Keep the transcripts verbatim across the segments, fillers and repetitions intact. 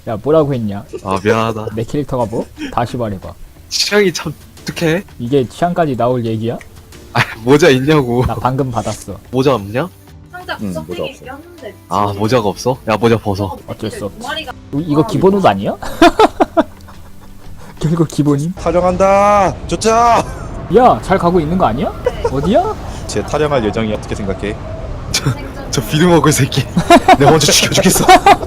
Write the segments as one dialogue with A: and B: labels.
A: 야 뭐라고 했냐?
B: 아 미안하다.
A: 내 캐릭터가 뭐? 다시 말해봐.
B: 취향이 참 독특해.
A: 이게 취향까지 나올 얘기야?
B: 아 모자 있냐고.
A: 나 방금 받았어.
B: 모자 없냐?
C: 상자
D: 응,
C: 구석탱이
D: 모자 없어.
C: 꼈는데
B: 아 모자가 없어? 야 모자 벗어.
A: 어쩔 수 없지.
C: 두 마리가
A: 이- 이거 기본 옷 아니야? 결국 기본임?
D: 타령한다. 좋자.
A: 야 잘 가고 있는 거 아니야? 어디야?
D: 제 타령할 예정이 어떻게 생각해?
C: 생전
B: 저 비누 먹을 새끼. 내가 먼저 죽여주겠어.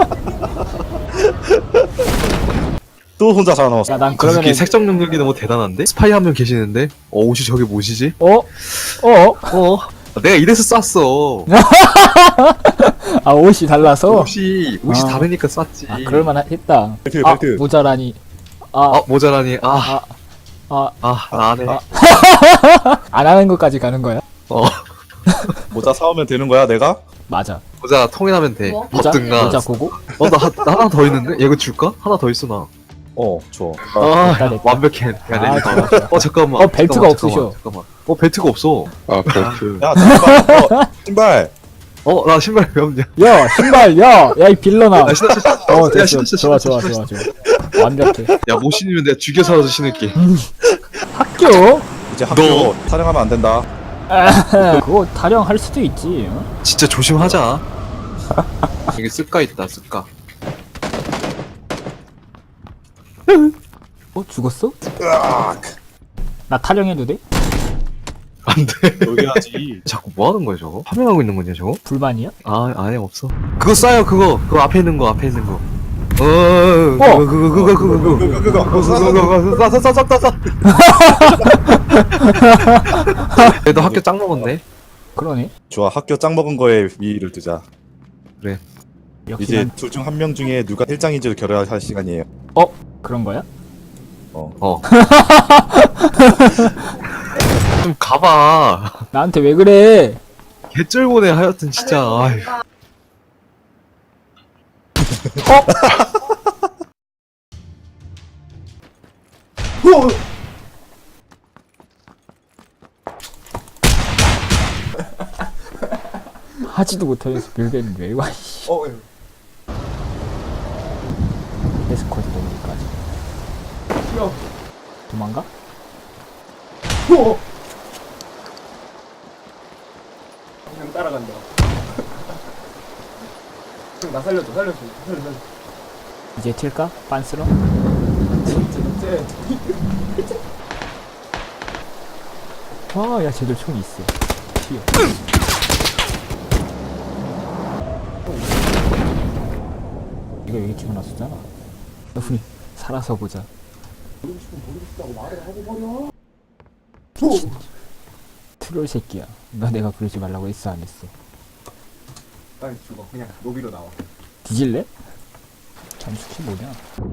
D: 또 혼자 살아남았어.
A: 야 난
B: 그 새끼
A: 그러면은
B: 색정 능력이 너무 대단한데? 스파이 한 명 계시는데? 어 옷이 저게 뭐시지?
A: 어? 어?
B: 어? 내가 이래서 쐈어.
A: 아 옷이 달라서?
B: 옷이 옷이
A: 아.
B: 다르니까 쐈지.
A: 아 그럴만 했다.
D: 벨트,
A: 아
D: 벨트.
A: 모자라니.
B: 아
A: 아
B: 모자라니. 아.
A: 아,
B: 아, 나 안 해.
A: 아. 안 하는 것까지 가는 거야?
B: 어,
D: 모자 사오면 되는 거야, 내가?
A: 맞아.
B: 모자 통일하면 돼.
C: 뭐?
A: 모자?
B: 벗든가.
A: 모자 고고?
B: 어, 나, 하- 나 하나 더 있는데? 얘 이거 줄까? 하나 더 있어, 나.
D: 어, 줘.
B: 아,
A: 됐다, 됐다.
B: 완벽해. 야,
A: 아,
B: 내
A: 좋아, 좋아.
B: 어, 잠깐만.
A: 어, 벨트가
B: 잠깐만,
A: 없으셔.
B: 잠깐만, 잠깐만. 어, 벨트가 없어.
E: 아 벨트.
D: 야, 잠깐만. 어, 신발.
B: 어, 나 신발 왜 없냐?
A: 야 신발 야! 야 이 빌런아!
B: 야, 신어, 신어.
A: 어
B: 야,
A: 됐어.
B: 신어, 신어,
A: 좋아
B: 신어,
A: 좋아
B: 신어,
A: 좋아
B: 신어.
A: 좋아. 완벽해.
B: 야, 못 신으면 내가 죽여서라도 신을게.
A: 학교?
D: 이제 학교
B: 너.
D: 타령하면 안 된다.
A: 그거 타령할 수도 있지. 어?
B: 진짜 조심하자. 여기 쓸까 있다, 쓸까.
A: 어 죽었어?
D: 으악.
A: 나 타령해도 돼?
B: 안 돼.
D: 여기 하지.
B: 자꾸 뭐 하는 거야, 저거? 파밍하고 있는 거냐, 저거?
A: 불만이야?
B: 아, 아예 없어. 그거 쏴요, 그거. 그거 앞에 있는 거, 앞에 있는 거. 어,
A: 어.
B: 그거, 그거, 그거, 그거, 그거.
D: 그거, 그거, 그거.
B: 그거, 쏴, 쏴, 쏴, 쏴, 쏴. 얘도 학교 짱 먹었네.
A: 그러네.
D: 좋아, 학교 짱 먹은 거에 위를 두자.
A: 역시
D: 이제
A: 난
D: 둘 중 한 명 중에 누가 일장인지를 결정할 시간이에요.
A: 그런 거야?
D: 어.
B: 어. 좀 가봐.
A: 나한테 왜 그래?
B: 개쩔보네 하여튼 진짜. 아휴.
A: 하지도 못하면서 빌베는 왜 와? 이씨.
D: 어,
A: 에스코트 넘기까지. 도망가?
F: 그냥 따라간다. 형, 나 살려줘, 살려줘, 살려줘.
A: 이제 튈까? 빤스러?
F: 쟤,
A: 와, 야 쟤들 총 있어. 튀어. 이거 여기 찍어놨었잖아. 우리 살아서 보자. 트롤 새끼야. 너 내가 그러지 말라고 했어 안 했어?
F: 빨리 죽어. 그냥 로비로 나와.
A: 뒤질래? 잠수키 뭐냐?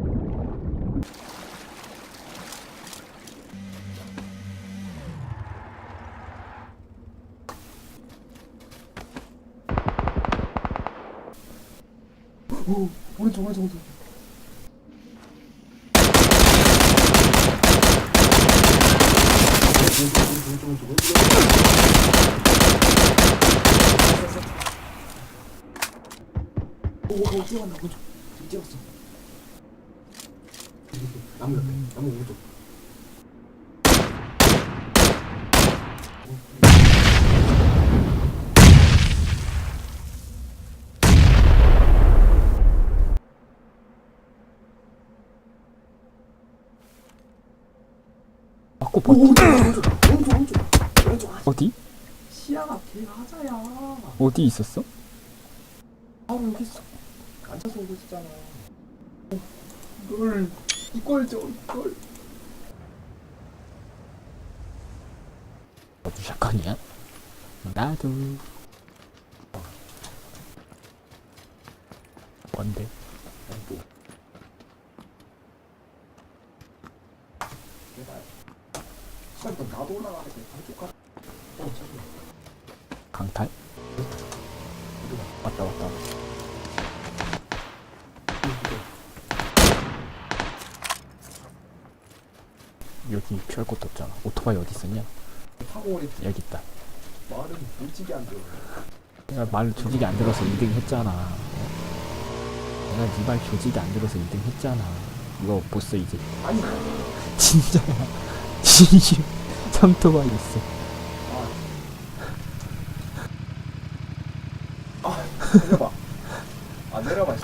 F: 오, 오른쪽, 오른쪽, 오른쪽. 오, 오, 뛰어간다, 오른쪽. 지금 뛰었어. 나무 옆에, 나무 오른쪽.
A: 맞고
F: 오,
A: 버
F: 오른쪽, 오른쪽, 오른쪽, 오른쪽, 오른쪽.
A: 어디?
F: 시야가 개 하자야.
A: 어디 있었어?
F: 바로 여기 있어. 앉아서 오고 있었잖아. 이걸, 이걸 줘, 이걸.
A: 어디 샷건이야? 나도. 뭔데?
F: 시간 또 나도 올라가야 돼. 반쪽 가. 어, 저기.
A: 강탈? 왔다 왔다. 여기 피할 곳도 없잖아. 오토바이 어디 있었냐?
F: 타고 오래
A: 여기 있다.
F: 말은 솔직히 안 들어.
A: 내가 말을 조직이 안 들어서 이 등 했잖아. 내가 네 말 조직이 안 들어서 이 등 했잖아. 이거 보스 이제
F: 아니
A: 진짜야. 진심 삼토막 있어.
F: 아 내려봐. 아 내려봐.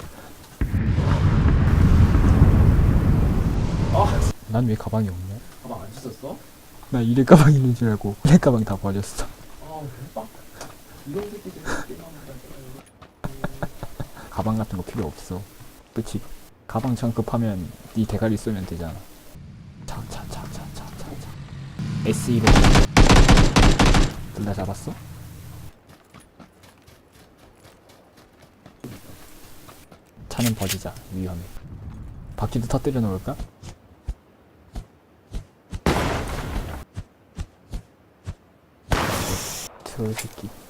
F: 아
A: 난 왜 가방이 없냐?
F: 가방 안 씻었어?
A: 나 이래 가방 있는 줄 알고 내 가방 다 버렸어.
F: 아 대박. 이런 새끼들 게임하는다.
A: 가방 같은 거 필요 없어. 그치? 가방 참 급하면 네 대가리 쏘면 되잖아. 차차차차차차차. 에스이로 둘 다 잡았어? 차는 버리자. 위험해. 바퀴도 터뜨려 놓을까? 저 새끼.